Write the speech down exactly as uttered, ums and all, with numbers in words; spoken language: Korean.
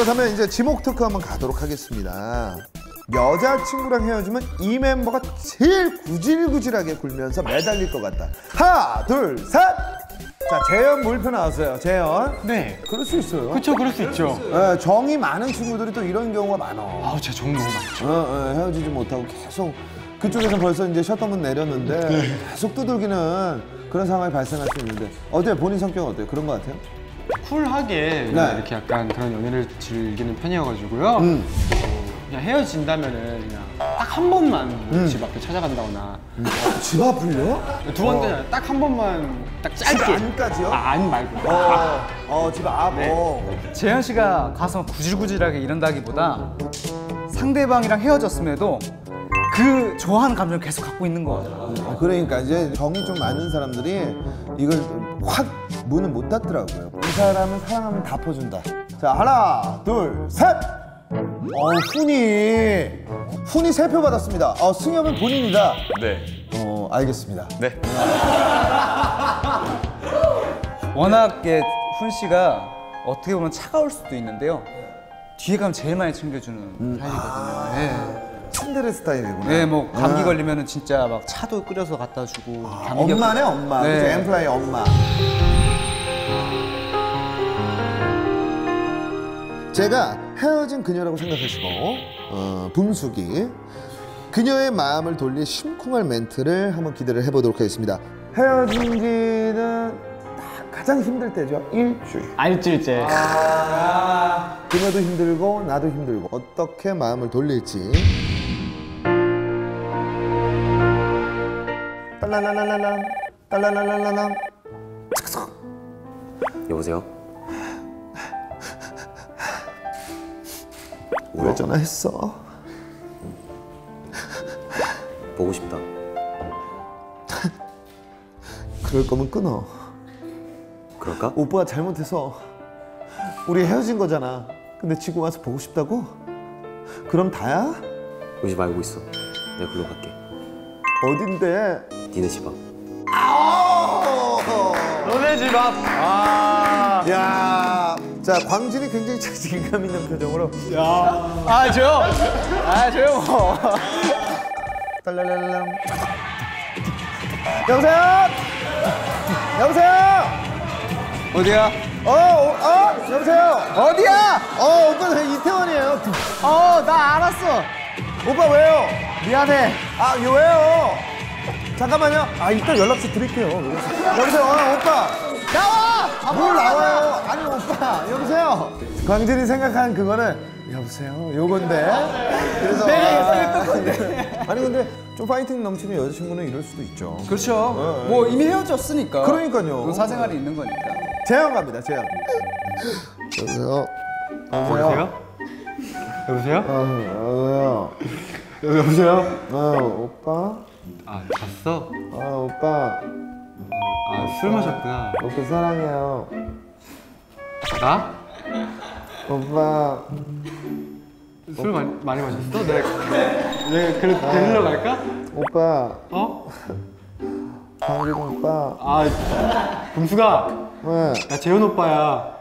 그렇다면 이제 지목 토크 한번 가도록 하겠습니다. 여자친구랑 헤어지면 이 멤버가 제일 구질구질하게 굴면서 매달릴 것 같다. 하나, 둘, 셋! 자, 재현 물표 나왔어요. 재현. 네. 그럴 수 있어요. 그렇죠, 그럴 수 있죠. 네, 정이 많은 친구들이 또 이런 경우가 많아. 아우, 제 정 너무 많죠. 어, 어, 헤어지지 못하고 계속 그쪽에서 벌써 이제 셔터문 내렸는데 네. 계속 두들기는 그런 상황이 발생할 수 있는데 어때요? 본인 성격은 어때요? 그런 것 같아요? 쿨하게 네. 이렇게 약간 그런 연애를 즐기는 편이어가지고요. 음. 어, 그냥 헤어진다면은 그냥 딱 한 번만 음. 집 앞에 찾아간다거나. 음. 어, 집 앞을요? 두 번째는 어. 딱 한 번만 딱 짧게. 집 안까지요? 아, 안 말고. 어, 어, 집 앞. 네. 어. 재현 씨가 가서 구질구질하게 이런다기보다 상대방이랑 헤어졌음에도 그 좋아하는 감정을 계속 갖고 있는 거예요. 아, 그러니까 이제 정이 좀 많은 사람들이 이걸 확 문을 못 닫더라고요. 이 사람은 사랑하면 다 퍼준다. 자, 하나, 둘, 셋! 어, 훈이. 훈이 세 표 받았습니다. 어, 승엽은 본인이다. 네. 어, 알겠습니다. 네. 워낙 훈 씨가 어떻게 보면 차가울 수도 있는데요. 뒤에 가면 제일 많이 챙겨주는 음. 타입이거든요. 아, 네. 츤데레 스타일이구나. 네, 뭐 감기 아. 걸리면은 진짜 막 차도 끓여서 갖다 주고. 아, 엄마네, 엄마. 네. 그치, 엠플라이 엄마. 제가 헤어진 그녀라고 생각하시고 어, 붐숙이 그녀의 마음을 돌릴 심쿵할 멘트를 한번 기대를 해보도록 하겠습니다. 헤어진 지는 가장 힘들 때죠. 일주일. 아, 일주일째. 아, 그녀도 힘들고 나도 힘들고 어떻게 마음을 돌릴지. 딸라라라라람 딸라라라라람. 여보세요? 왜 전화했어? 보고 싶다. 그럴 거면 끊어. 그럴까? 오빠가 잘못해서 우리 헤어진 거잖아. 근데 지금 와서 보고 싶다고? 그럼 다야? 우리 집 알고 있어. 내가 글로 갈게. 어딘데? 니네 집 앞. 너네 집 앞. 아, 야, 자 광진이 굉장히 자신감 있는 표정으로. 야, 아 저요, 아 저요 뭐. 딸랄랄람. 여보세요? 여보세요? 어디야? 어, 어, 어? 여보세요? 어디야? 어, 오빠 저 이태원이에요. 어, 나 알았어. 오빠 왜요? 미안해. 아, 이거 왜요? 잠깐만요. 아, 이따 연락처 드릴게요. 여보세요? 어, 오빠. 나와! 아, 뭘 나와요? 아니, 오빠. 여보세요? 광진이 생각한 그거는 여보세요? 요건데. 그래서. 내가 생각했던 건데. 아니, 근데 좀 파이팅 넘치는 여자친구는 이럴 수도 있죠. 그렇죠. 어, 뭐 이미 헤어졌으니까. 그러니까요. 사생활이 있는 거니까. 재현 갑니다, 재현. 여보세요? 여보세요? 여보세요? 어, 여보세요? 여보세요? 어, 오빠? 아, 잤어? 아, 오빠. 아, 술 마셨구나. 오빠 사랑해요. 나? 오빠. 술 많이, 많이 마셨어? 내가, 내가 그래, 데리러 갈까? 오빠. 어? 광진 오빠. 아, 범수가. 왜? 나 재현 오빠야.